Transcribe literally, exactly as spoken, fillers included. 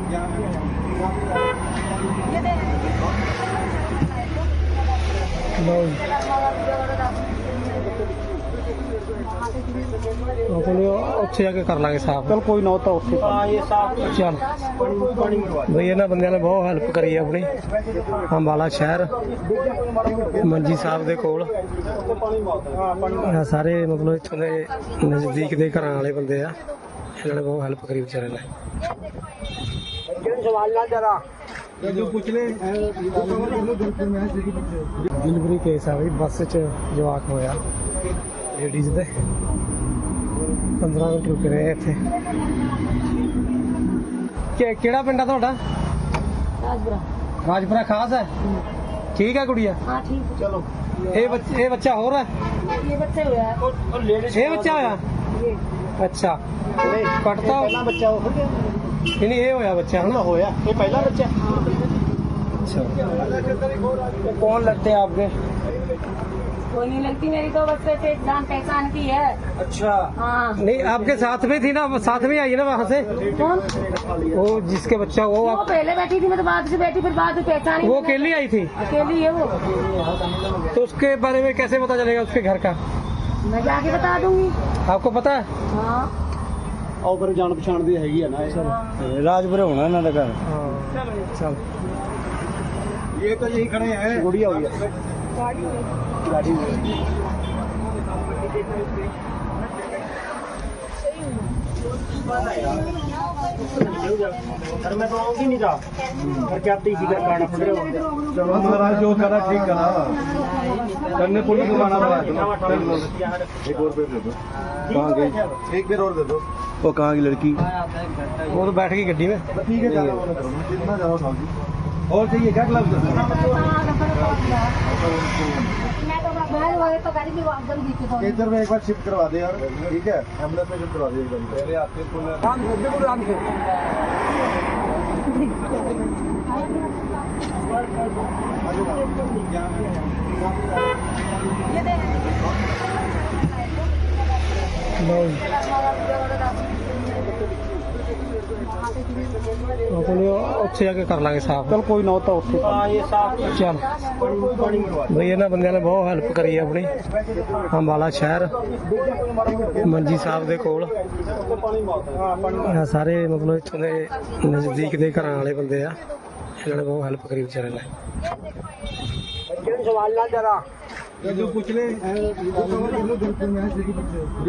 ਉੱਥੇ ਜਾ ਕੇ ਕਰ ਲਾਂਗੇ ਸਾਫ। ਚਲ ਕੋਈ ਨਾ, ਤਾਂ ਉੱਥੇ ਚੱਲ ਬਈ ਇਹਨਾਂ ਬੰਦਿਆਂ ਨੇ ਬਹੁਤ ਹੈਲਪ ਕਰੀ ਹੈ ਆਪਣੀ। ਅੰਬਾਲਾ ਸ਼ਹਿਰ ਮੰਜੀ ਸਾਹਿਬ ਦੇ ਕੋਲ ਸਾਰੇ ਮਤਲਬ ਇੱਥੋਂ ਦੇ ਨਜ਼ਦੀਕ ਦੇ ਘਰਾਂ ਵਾਲੇ ਬੰਦੇ ਆ, ਇਹਨਾਂ ਨੇ ਬਹੁਤ ਹੈਲਪ ਕਰੀ ਵਿਚਾਰੇ ਨੇ। ਡਿਲੀਵਰੀ ਕੇਸ ਆ ਬਈ, ਬੱਸ 'ਚ ਜਵਾਕ ਹੋਇਆ ਲੇਡੀਜ਼ ਦੇ। ਪੰਦਰਾਂ ਮਿੰਟ ਰੁਕੇ ਰਹੇ ਇੱਥੇ। ਕਿ ਕਿਹੜਾ ਪਿੰਡ ਆ ਤੁਹਾਡਾ? ਰਾਜਪੁਰਾ। ਰਾਜਪੁਰਾ ਖਾਸ ਹੈ। ਠੀਕ ਹੈ ਗੁੜੀਆ? हाँ ठीक है। ਚਲੋ ਇਹ ਬੱਚੇ ਇਹ ਬੱਚਾ ਹੋਰ ਹੈ? ये बच्चे हुआ है। ਇਹ ਬੱਚਾ ਹੋਇਆ? ये ਅੱਛਾ ਕੱਟਤਾ ਪਹਿਲਾ ਬੱਚਾ ਉਹ ਹੋ ਗਿਆ, ਨਹੀਂ ਨਹੀਂ ਇਹ ਹੋਇਆ ਬੱਚਾ ਹੁਣ ਹਨਾ? ਹੋਇਆ ਇਹ ਪਹਿਲਾ ਬੱਚਾ। अच्छा कौन लगते हैं आपके? कोई नहीं लगती, मेरी तो बच्चे से जान पहचान की है। अच्छा हाँ। नहीं आपके साथ में थी ना, साथ में आई है ना वहाँ से? कौन? वो जिसके बच्चा वो वो आप, पहले बैठी थी, मैं तो बाद से बैठी, फिर बाद में पहचानी। वो अकेली आई थी? अकेली है वो। तो उसके बारे में कैसे पता चलेगा उसके घर का? मैं जाके बता दूंगी। आपको पता है? हाँ ਆਓ ਫਿਰ ਜਾਣ ਪਛਾਣ ਦੀ ਹੈਗੀ ਆ ਨਾ ਇਹ। राजपुर होना ਇਹਨਾਂ ਦਾ ਘਰ। चल ये तो यही खड़े हैं, गुड़िया हो गया गाड़ी सर मैं तो आऊंगी नहीं था, घर के आते इसी का काटना पड़ रहा है। चलो महाराज जो करा ठीक करा, करने पुलिस को आना पड़ा। एक और पेड़ दे दो। कहाँ गई? एक पेड़ और दे दो। वो कहाँ की लड़की? वो तो बैठ गई गड्डी में। ठीक है कितना जाओ साहब जी। और चाहिए क्या ग्लव्स? इधर में एक बार शिफ्ट करवा दे यार, ठीक है? एम्बुलेंस में शिफ्ट करवा दे एकदम। पहले आपके ਉੱਥੇ ਜਾ ਕੇ ਕਰ ਲਾਂਗੇ ਸਾਫ। चल कोई ना, ਤਾਂ ਉੱਥੇ ਚੱਲ ਬਈ ਇਹਨਾਂ ਬੰਦਿਆਂ ਨੇ ਬਹੁਤ ਹੈਲਪ ਕਰੀ ਹੈ ਆਪਣੀ। ਅੰਬਾਲਾ ਸ਼ਹਿਰ ਮੰਜੀ ਸਾਹਿਬ ਦੇ ਕੋਲ ਸਾਰੇ ਮਤਲਬ ਇੱਥੋਂ ਦੇ ਨਜ਼ਦੀਕ ਦੇ ਘਰਾਂ ਵਾਲੇ ਬੰਦੇ ਆ, ਇਹਨਾਂ ਨੇ ਬਹੁਤ ਹੈਲਪ ਕਰੀ ਵਿਚਾਰੇ ਨੇ। सवाल ना जरा जो पूछ ले